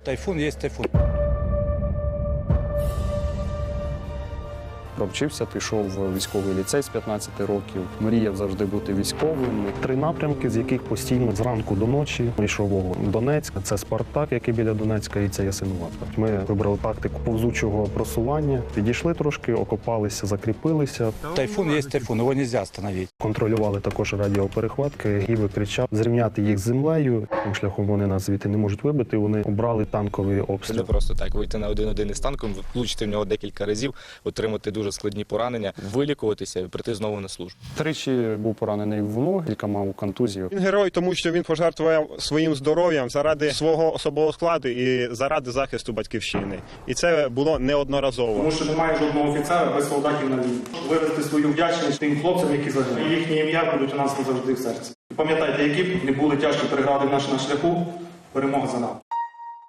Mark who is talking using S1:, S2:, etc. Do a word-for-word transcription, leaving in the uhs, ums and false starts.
S1: Тайфун є тайфун.
S2: Провчився, пішов в військовий ліцей з п'ятнадцяти років. Мріяв завжди бути військовим. Три напрямки, з яких постійно зранку до ночі йшов вогонь. Донецьк – це Спартак, який біля Донецька, і це Ясинуватка. Ми вибрали тактику повзучого просування. Підійшли трошки, окопалися, закріпилися.
S1: Тайфун є тайфун, його не можна остановити.
S2: Контролювали також радіоперехватки. Гіви кричав зрівняти їх з землею. Тим шляхом вони нас звідти не можуть вибити. Вони обрали танковий обстріл.
S3: Не просто так вийти на один-один із танком, влучити в нього декілька разів, отримати дуже складні поранення, вилікуватися і прийти знову на службу.
S2: Тричі був поранений в ноги, кілька мав контузію.
S4: Він герой, тому що він пожертвував своїм здоров'ям заради свого особового складу і заради захисту батьківщини. І це було неодноразово.
S5: Тому що немає жодного офіцера без солдатів на війні. Виразити свою вдячність тим хлопцям, які загинули. Їхні ім'я будуть у нас назавжди в серці. Пам'ятайте, які б не були тяжкі перегради в нашому шляху, перемога за нами.